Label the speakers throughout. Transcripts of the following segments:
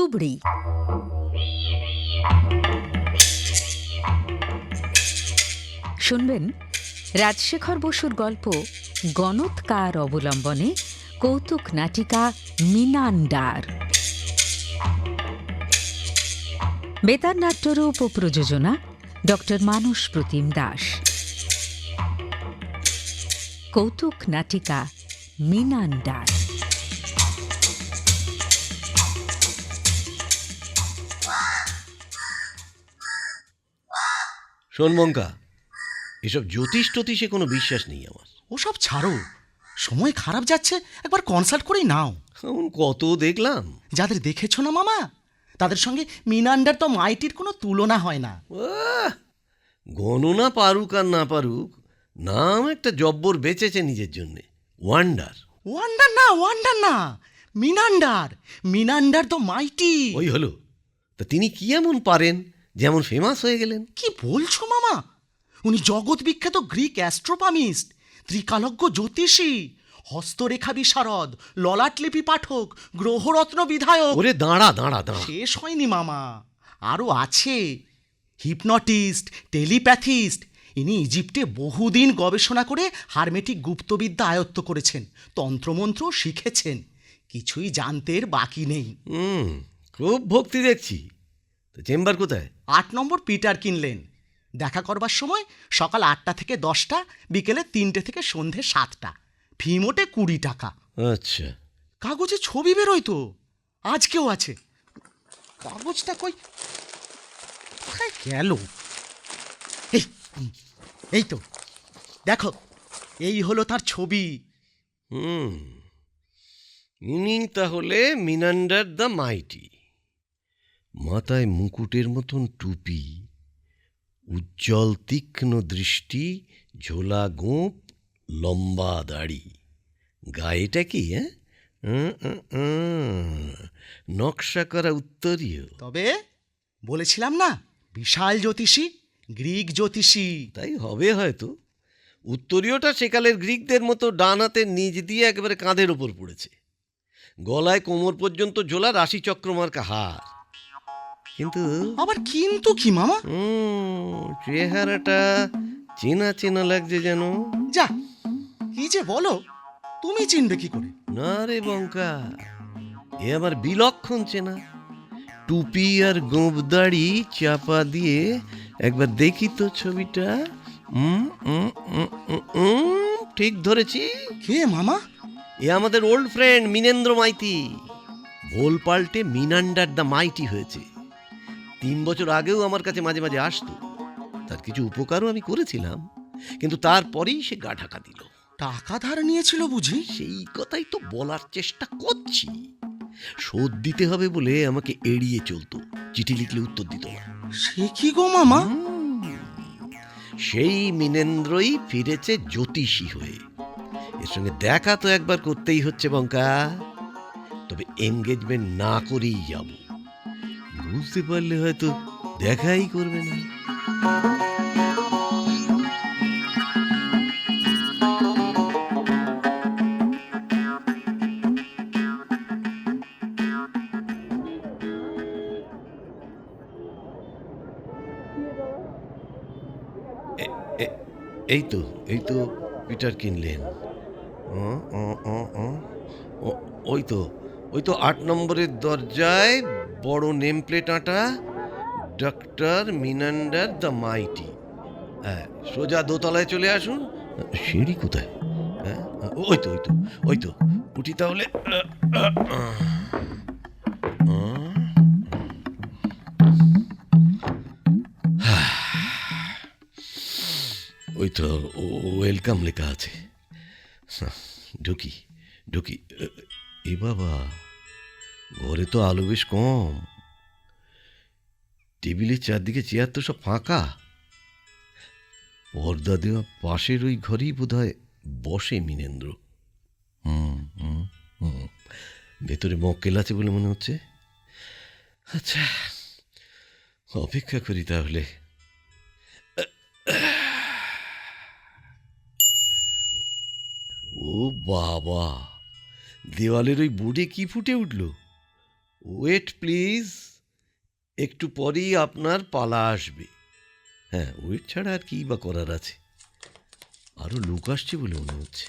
Speaker 1: তুবড়ি। শুনবেন রাজশেখর বসুর গল্প গণৎকার অবলম্বনে কৌতুক নাটিকা মিনান্ডার। বেতার নাট্যরূপ ও প্রযোজনা ডক্টর মানস প্রতিম দাস। কৌতুক নাটিকা মিনান্ডার।
Speaker 2: শোন মঙ্কা, এসব জ্যোতিষ টতিষে কোনো বিশ্বাস নেই আমার।
Speaker 3: ওসব ছাড়ো, সময় খারাপ যাচ্ছে, একবার কনসাল্ট করেই নাও।
Speaker 2: এমন কত দেখলাম।
Speaker 3: যাদের দেখেছো না মামা, তাদের সঙ্গে মিনান্ডার তো মাইটির কোনো তুলনা হয় না।
Speaker 2: গণনা পারুক আর না পারুক, নাম একটা জব্বর বেঁচেছে নিজের জন্যে। ওয়ান্ডার।
Speaker 3: ওয়ান্ডার না, মিনান্ডার। মিনান্ডার তো মাইটি।
Speaker 2: ওই হলো। তা তিনি কি এমন পারেন যেমন ফেমাস হয়ে গেলেন?
Speaker 3: কি বলছো মামা? উনি জগৎ বিখ্যাত গ্রিক অ্যাস্ট্রোপামিস্ট, ত্রিকালজ্ঞ জ্যোতিষী, হস্তরেখা বিশারদ, ললাটলিপি পাঠক, গ্রহরত্ন বিধায়ক।
Speaker 2: ওরে দাঁড়া দাঁড়া দাঁড়া,
Speaker 3: শেষ হয়নি মামা, আরও আছে। হিপনটিস্ট, টেলিপ্যাথিস্ট। ইনি ইজিপ্টে বহুদিন গবেষণা করে হারমেটিক গুপ্তবিদ্যা আয়ত্ত করেছেন, তন্ত্রমন্ত্র শিখেছেন। কিছুই জানতে বাকি নেই।
Speaker 2: খুব ভক্তি দেখছি। তো চেম্বার কোথায়?
Speaker 3: 8 নম্বর পিটার কিনলেন। দেখা করবার সময় সকাল 8টা থেকে 10টা, বিকেলে 3টে থেকে সন্ধে 7টা। ফি মোটে 20 টাকা।
Speaker 2: আচ্ছা,
Speaker 3: কাগজে ছবি বেরোয় তো, আজকেও আছে। কাগজটা কই কোথায় গেল? এই এই তো দেখো, এই হলো তার ছবি।
Speaker 2: ইনি তাহলে মিনান্ডার দ্য মাইটি। মাথায় মুকুটের মতন টুপি, উজ্জ্বল তীক্ষ্ণ দৃষ্টি, ঝোলা গোঁপ, লম্বা দাড়ি। গায়েটা কি নকশা করা উত্তরীয়।
Speaker 3: তবে বলেছিলাম না, বিশাল জ্যোতিষী, গ্রিক জ্যোতিষী।
Speaker 2: তাই হবে হয়তো। উত্তরীয়টা সেকালের গ্রিকদের মতো ডান হাতের নিচ দিয়ে একেবারে কাঁধের ওপর পড়েছে। গলায় কোমর পর্যন্ত ঝোলা রাশিচক্র মার্কা হার। কিন্তু
Speaker 3: আবার কিন্তু কি মামা?
Speaker 2: চেহারাটা চেনা চেনা লাগছে যেন।
Speaker 3: যা, কি যে বলো, তুমি চিনবে কি করে?
Speaker 2: না রে বঙ্কা, এ আমার বিলক্ষণ চেনা। টুপি আর গোঁপ দাড়ি চাপা দিয়ে একবার দেখি তো ছবিটা। ঠিক ধরেছি।
Speaker 3: কে মামা?
Speaker 2: এ আমাদের ওল্ড ফ্রেন্ড মিনেন্দ্র মাইতি। ভোল পাল্টে মিনান্ডার দ্য মাইটি হয়েছে। 3 বছর আগেও আমার কাছে মাঝে মাঝে আসতো। তার কিছু উপকারও আমি করেছিলাম, কিন্তু তারপরেই সে গা ঢাকা দিল।
Speaker 3: টাকা ধার নিয়েছিল বুঝি?
Speaker 2: সেই কথাই তো বলার চেষ্টা করছি। শোধ দিতে হবে বলে আমাকে এড়িয়ে চলতো, চিঠি লিখলে উত্তর দিত না।
Speaker 3: সে কি গো মামা?
Speaker 2: সেই মিনেন্দ্রই ফিরেছে জ্যোতিষী হয়ে। এর সঙ্গে দেখা তো একবার করতেই হচ্ছে বঙ্কা। তবে এনগেজমেন্ট না করেই যাব। বুঝতে পারলে হয়তো দেখাই করবে না। এই তো পিটার কিনলেন। ওই তো 8 নম্বরের দরজায় বড় নেম প্লেট আঁটা, ডক্টর মিনান্ডার দ্য মাইটি। হ্যাঁ, সোজা দোতলায় চলে আসুন। সিঁড়ি কোথায়? হ্যাঁ, ওই তো উঠি তাহলে। ওই তো ওয়েলকাম লেখা আছে। ঢুকি। এ বাবা, ঘরে তো আলো বেশ কম। টেবিলের চারদিকে চেয়ার তো সব ফাঁকা। পর্দা দেওয়া পাশের ওই ঘরেই বোধহয় বসে মিনেন্দ্র। ভেতরে মক্কেল আছে বলে মনে হচ্ছে। আচ্ছা, অপেক্ষা করি তাহলে। ও বাবা, দেওয়ালের ওই বোর্ডে কি ফুটে উঠল? ওয়েট প্লিজ, একটু পরেই আপনার পালা আসবে। হ্যাঁ, ওয়েট ছাড়া আর কি বা করার আছে? আরও লোক আসছে বলে মনে হচ্ছে।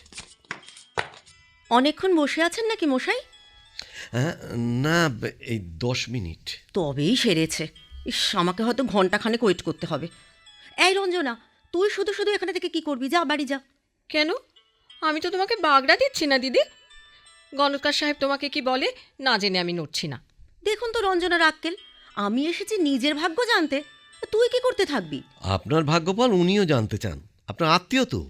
Speaker 4: অনেকক্ষণ বসে আছেন নাকি মশাই?
Speaker 2: হ্যাঁ, না, এই 10 মিনিট।
Speaker 4: তবেই সেরেছে। ইস, আমাকে হয়তো ঘন্টাখানেক ওয়েট করতে হবে। এই রঞ্জনা, তুই শুধু শুধু এখানে থেকে কি করবি? যা বাড়ি যা।
Speaker 5: কেন? আমি তো তোমাকে বাগড়া দিচ্ছি না দিদি। গণৎকার সাহেব তোমাকে কি বলে না জেনে আমি নড়ছি না।
Speaker 4: দেখুন তো রঞ্জনার আক্কেল, আমি এসেছি নিজের ভাগ্য জানতে, তুই কি করতে থাকবি?
Speaker 2: আপনার ভাগ্যফল উনিও জানতে চান, আপনার আত্মীয় তো।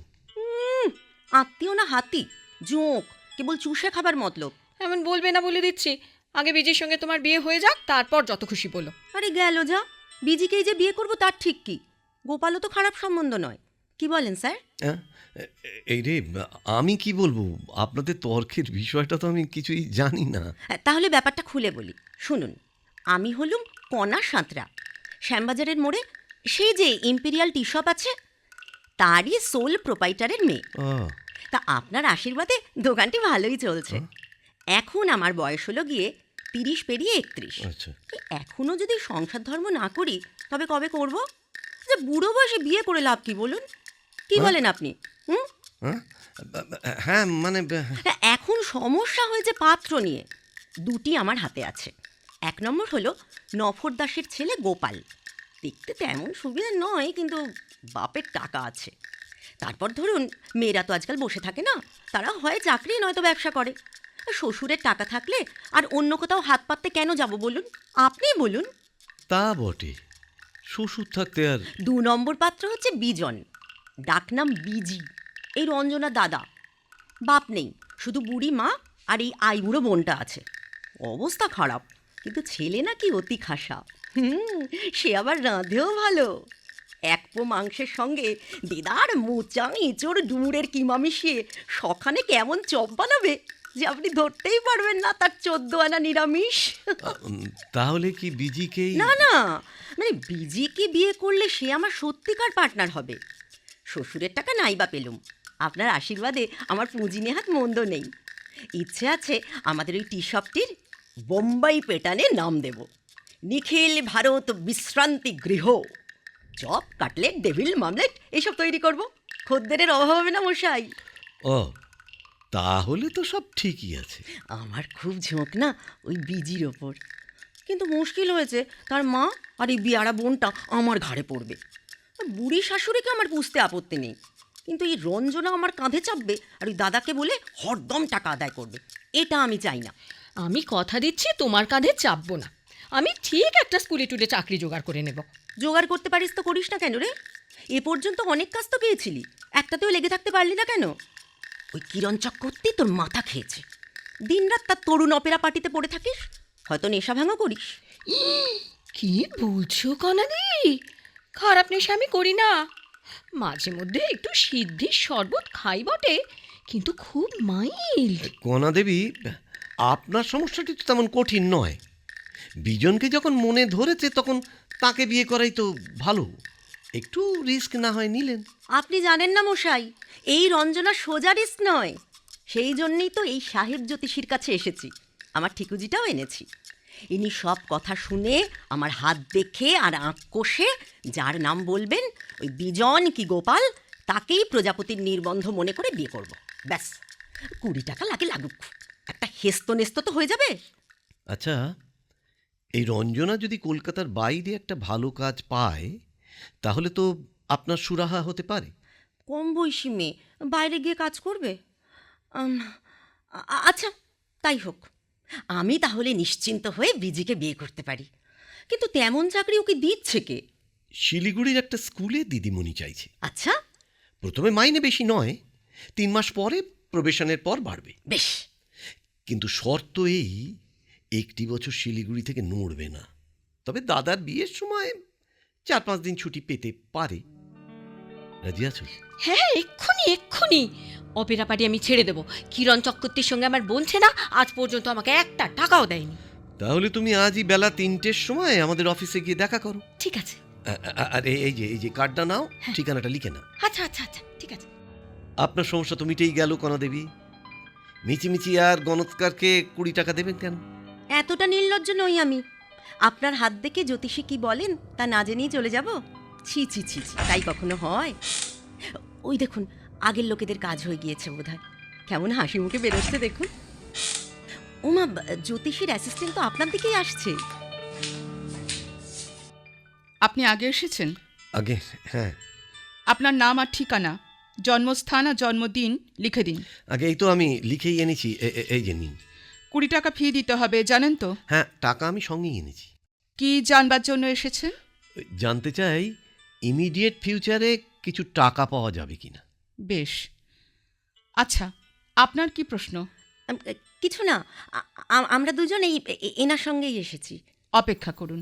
Speaker 4: আত্মীয় না হাতি, জোঁক, কেবল চুষে খাবার মতলব।
Speaker 5: এমন বলবে না বলে দিচ্ছি। আগে বিজির সঙ্গে তোমার বিয়ে হয়ে যাক, তারপর যত খুশি বলো।
Speaker 4: আরে গেল যা, বিজিকেই যে বিয়ে করব তার ঠিক কি? গোপালও তো খারাপ সম্বন্ধ নয়। কি বলেন স্যার?
Speaker 2: হ্যাঁ, এই রে, আমি কি বলবো, আপনাদের তর্কের বিষয়টা তো আমি কিছুই জানি না।
Speaker 4: তাহলে ব্যাপারটা খুলে বলি, শুনুন। আমি হলুম কণা সাঁতরা, শ্যামবাজারের মোড়ে সেই যে ইম্পেরিয়াল টি শপ আছে, তারই সোল প্রোপাইটারের মেয়ে।
Speaker 2: আহ,
Speaker 4: তা আপনার আশীর্বাদে দোকানটি ভালোই চলছে। এখন আমার বয়স হলো গিয়ে 30 পেরিয়ে 31।
Speaker 2: আচ্ছা।
Speaker 4: এখনো যদি সংসার ধর্ম না করি তবে কবে করব? যে বুড়ো বয়সে বিয়ে করে লাভ কি বলুন? কি বলেন আপনি? হুম?
Speaker 2: হ্যাঁ, হ্যাঁ, মানে
Speaker 4: এখন সমস্যা হয়েছে পাত্র নিয়ে। দুটি আমার হাতে আছে। 1 নম্বর হলো নফর দাসের ছেলে গোপাল। দেখতে তেমন সুবিধা নয়, কিন্তু বাপের টাকা আছে। তারপর ধরুন, মেয়েরা তো আজকাল বসে থাকে না, তারা হয় চাকরি নয়তো ব্যবসা করে। শ্বশুরের টাকা থাকলে আর অন্য কোথাও হাত পাততে কেন যাব বলুন? আপনিই বলুন।
Speaker 2: তা বটে, শ্বশুর থাকতে আর।
Speaker 4: 2 নম্বর পাত্র হচ্ছে বিজন, ডাকনাম বিজি, এই রঞ্জনা দাদা। বাপ নেই, শুধু বুড়ি মা আর এই আইবুড়ো বোনটা আছে। অবস্থা খারাপ, কিন্তু ছেলে নাকি অতি খাসা। সে আবার রাঁধেও ভালো। 1 পো মাংসের সঙ্গে দিদার মোচা ইঁচড় ডুমুরের কিমা মিশিয়ে সখানে কেমন চপ বানাবে যে আপনি ধরতেই পারবেন না তার 14 আনা নিরামিষ।
Speaker 2: তাহলে কি বিজিকেই?
Speaker 4: না না, মানে বিজিকে বিয়ে করলে সে আমার সত্যিকার পার্টনার হবে। শ্বশুরের টাকা নাই বা পেলুম, আপনার আশীর্বাদে আমার পুঁজি নেহাত মন্দ নেই। ইচ্ছে আছে আমাদের ওই টি শপটির বোম্বাই পেটানে নাম দেব, নিখিল ভারত বিশ্রান্তি গৃহ। চপ, কাটলেট, ডেভিল মামলেট এইসব তৈরি করব। খদ্দেরের অভাব হবে না মশাই।
Speaker 2: ও, তাহলে তো সব ঠিকই আছে।
Speaker 4: আমার খুব ঝোঁক না ওই বিজির ওপর, কিন্তু মুশকিল হয়েছে তার মা আর এই বিয়ারা বোনটা আমার ঘাড়ে পড়বে। বুড়ি শাশুড়িকে আমার পুষতে আপত্তি নেই, কিন্তু এই রঞ্জনা আমার কাঁধে চাপবে আর ওই দাদাকে বলে হরদম টাকা আদায় করবে। এটা আমি চাই না।
Speaker 5: আমি কথা দিচ্ছি তোমার কাঁধে চাপবো না। আমি ঠিক একটা স্কুলে টুলে চাকরি জোগাড় করে নেব।
Speaker 4: জোগাড় করতে পারিস তো করিস না কেন রে? এ পর্যন্ত অনেক কাজ তো পেয়েছিলি, একটাতেও লেগে থাকতে পারলি না কেন? ওই কিরণ চক্রবর্তী তোর মাথা খেয়েছে। দিনরাত তার তরুণ অপেরা পার্টিতে পড়ে থাকিস, হয়তো নেশা ভাঙও করিস।
Speaker 5: কি বলছো কনাদি? খারাপ নেশা আমি করি না। মাঝে মধ্যে একটু সিদ্ধির শরবত খাই বটে, কিন্তু খুব মাইল্ড।
Speaker 2: কণা দেবী, আপনার সমস্যাটি তো তেমন কঠিন নয়। বিজনকে যখন মনে ধরেছে তখন তাকে বিয়ে করাই তো ভালো। একটু রিস্ক না হয় নিলেন।
Speaker 4: আপনি জানেন না মশাই, এই রঞ্জনা সোজা রিস্ক নয়। সেই জন্যই তো এই সাহেব জ্যোতিষীর কাছে এসেছি, আমার ঠিকুজিটাও এনেছি। ইনি সব কথা শুনে আমার হাত দেখে আর আঁক কষে যার নাম বলবেন, ওই বিজন কি গোপাল, তাকেই প্রজাপতির নির্বন্ধ মনে করে বিয়ে করব। ব্যাস, 20 টাকা লাগে লাগুক, একটা হেস্ত নেস্ত তো হয়ে যাবে।
Speaker 2: আচ্ছা, এই রঞ্জনা যদি কলকাতার বাইরে একটা ভালো কাজ পায় তাহলে তো আপনার সুরাহা হতে পারে।
Speaker 4: কম বয়সী মেয়ে বাইরে গিয়ে কাজ করবে? আচ্ছা, তাই হোক। আমি তাহলে নিশ্চিন্ত হয়ে বিজিকে বিয়ে করতে পারি। কিন্তু তেমন চাকরি ওকে দিচ্ছে কে?
Speaker 2: শিলিগুড়ির একটা স্কুলে দিদিমণি চাইছে।
Speaker 4: আচ্ছা,
Speaker 2: প্রথমে মাইনে বেশি নয়, 3 মাস পরে প্রবেশনের পর বাড়বে।
Speaker 4: বেশ।
Speaker 2: কিন্তু শর্ত এই, 1 বছর শিলিগুড়ি থেকে নড়বে না। তবে দাদার বিয়ের সময় 4-5 দিন ছুটি পেতে পারে। রাজি আছো?
Speaker 5: হ্যাঁ, এক্ষুনি এক্ষুনি অপেরা পার্টি আমি ছেড়ে দেবো। কিরণ চক্রবর্তীর সঙ্গে আমার বলছে না, আজ পর্যন্ত আমাকে একটা টাকাও দেয়নি।
Speaker 2: তাহলে তুমি আজই বেলা 3টের সময় আমাদের অফিসে গিয়ে দেখা করো।
Speaker 5: ঠিক আছে।
Speaker 2: আর এই যে কার্ডটা নাও, ঠিকানাটা লিখে নাও।
Speaker 5: আচ্ছা আচ্ছা আচ্ছা, ঠিক আছে।
Speaker 2: আপনার সমস্যা তো মিটেই গেল কণা দেবী। মিচিমিচি আর গণৎকারকে 20 টাকা দেবেন কেন?
Speaker 4: এতটা নির্লজ্জ নই আমি। আপনার হাত দেখে জ্যোতিষী কি বলেন তা না জেনেই চলে যাব? ছি ছি ছি ছি, তাই কখনো হয়? ওই দেখুন, আগের লোকেদের কাজ হয়ে গিয়েছে বোধহয়। কেমন হাসি মুখে বেরোচ্ছে দেখুন। ওমা, জ্যোতিষীর অ্যাসিস্ট্যান্ট তো আপনার দিকেই আসছে।
Speaker 6: আপনি আগে এসেছেন?
Speaker 2: আগে হ্যাঁ,
Speaker 6: আপনার নাম আর ঠিকানা, জন্মস্থান আর জন্মদিন লিখে দিন।
Speaker 2: আগে এই তো আমি লিখেই এনেছি, এই যে নিন।
Speaker 6: 20 টাকা ফি দিতে হবে, জানেন তো?
Speaker 2: হ্যাঁ, টাকা আমি সঙ্গেই এনেছি।
Speaker 6: কি জানবার জন্য এসেছেন?
Speaker 2: জানতে চাই ইমিডিয়েট ফিউচারে কিছু টাকা পাওয়া যাবে কিনা।
Speaker 6: বেশ, আচ্ছা, আপনার কি প্রশ্ন?
Speaker 4: কিছু না, আমরা দুজন এনার সঙ্গেই এসেছি।
Speaker 6: অপেক্ষা করুন।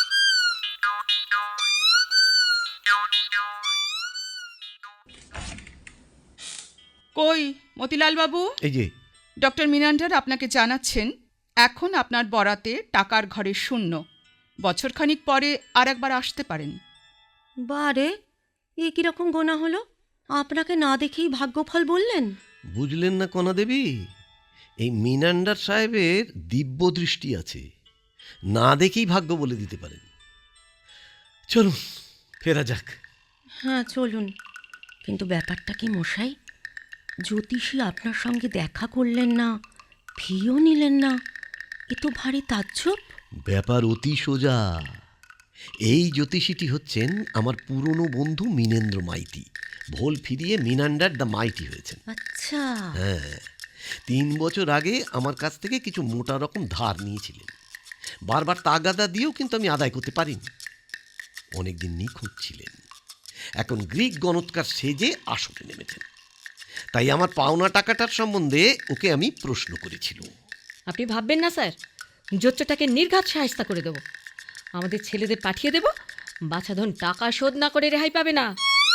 Speaker 6: কই মতিলাল বাবু?
Speaker 2: এই যে।
Speaker 6: ডক্টর মিনান্ডার আপনাকে জানাচ্ছেন এখন আপনার বরাতে টাকার ঘরে শূন্য। বছরখানিক পরে আর একবার আসতে পারেন।
Speaker 4: বারে, এ কিরকম গোনা হলো? আপনাকে না দেখেই ভাগ্যফল বললেন?
Speaker 2: বুঝলেন না কণা দেবী, এই মিনান্ডার সাহেবের দিব্য দৃষ্টি আছে, না দেখেই ভাগ্য বলে দিতে পারেন। চলুন ফেরা যাক।
Speaker 4: হ্যাঁ চলুন, কিন্তু ব্যাপারটা কি মশাই? জ্যোতিষী আপনার সঙ্গে দেখা করলেন না, ফিও নিলেন না, এ তো ভারী তাজ্জব।
Speaker 2: ব্যাপার অতি সোজা। এই জ্যোতিষীটি হচ্ছেন আমার পুরনো বন্ধু মিনেন্দ্র মাইতি। ভোল ফিরিয়ে মিনান্ডার দ্য মাইটি হয়েছেন।
Speaker 4: আচ্ছা।
Speaker 2: হ্যাঁ, 3 বছর আগে আমার কাছ থেকে কিছু মোটা রকম ধার নিয়েছিলেন। বারবার তাগাদা দিয়েও কিন্তু আমি আদায় করতে পারিনি। অনেকদিন নিখোঁজ ছিলেন, এখন গ্রিক গণৎকার সেজে আসরে নেমেছেন। তাই আমার পাওনা টাকাটার সম্বন্ধে ওকে আমি প্রশ্ন করেছিলাম।
Speaker 5: আপনি ভাববেন না স্যার, জোচ্চটাকে নির্ঘাত সাহায্য করে দেবো। আমাদের ছেলেদের পাঠিয়ে দেব, বাছাধন টাকা শোধ না করে রেহাই পাবে না।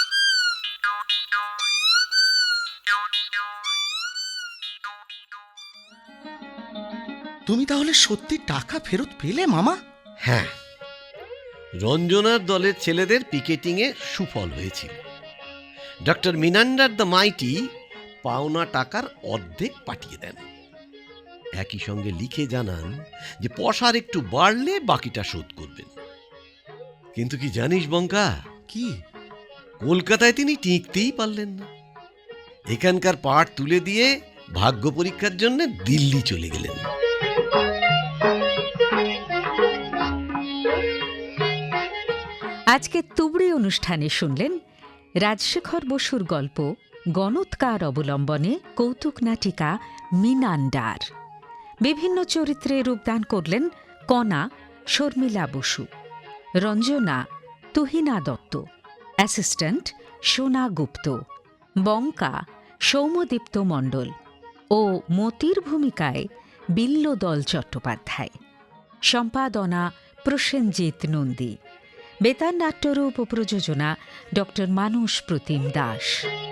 Speaker 3: তুমি তাহলে সত্যি টাকা ফেরত পেলে মামা?
Speaker 2: হ্যাঁ, রঞ্জনার দলের ছেলেদের পিকেটিংয়ে সুফল হয়েছিল। ডক্টর মিনান্ডার দ্য মাইটি পাওনা টাকার অর্ধেক পাঠিয়ে দেন। একই সঙ্গে লিখে জানান যে পয়সার একটু বাড়লে বাকিটা শোধ করবেন। কিন্তু কি জানিস বঙ্কা,
Speaker 3: কি?
Speaker 2: কলকাতায় তিনি টিকতেই পারলেন না। এখানকার পাঠ তুলে দিয়ে ভাগ্য পরীক্ষার জন্য দিল্লি চলে গেলেন।
Speaker 1: আজকে তুবড়ি অনুষ্ঠানে শুনলেন রাজশেখর বসুর গল্প গণৎকার অবলম্বনে কৌতুক নাটিকা মিনান্ডার। বিভিন্ন চরিত্রে রূপদান করলেন কণা শর্মিলা বসু, রঞ্জনা তুহিনা দত্ত, অ্যাসিস্ট্যান্ট সোনা গুপ্ত, বঙ্কা সৌম্যদীপ্ত মণ্ডল ও মতির ভূমিকায় বিল্লদল চট্টোপাধ্যায়। সম্পাদনা প্রসেনজিৎ নন্দী। বেতার নাট্যরূপ ও প্রযোজনা ডক্টর মানস প্রতিম দাস।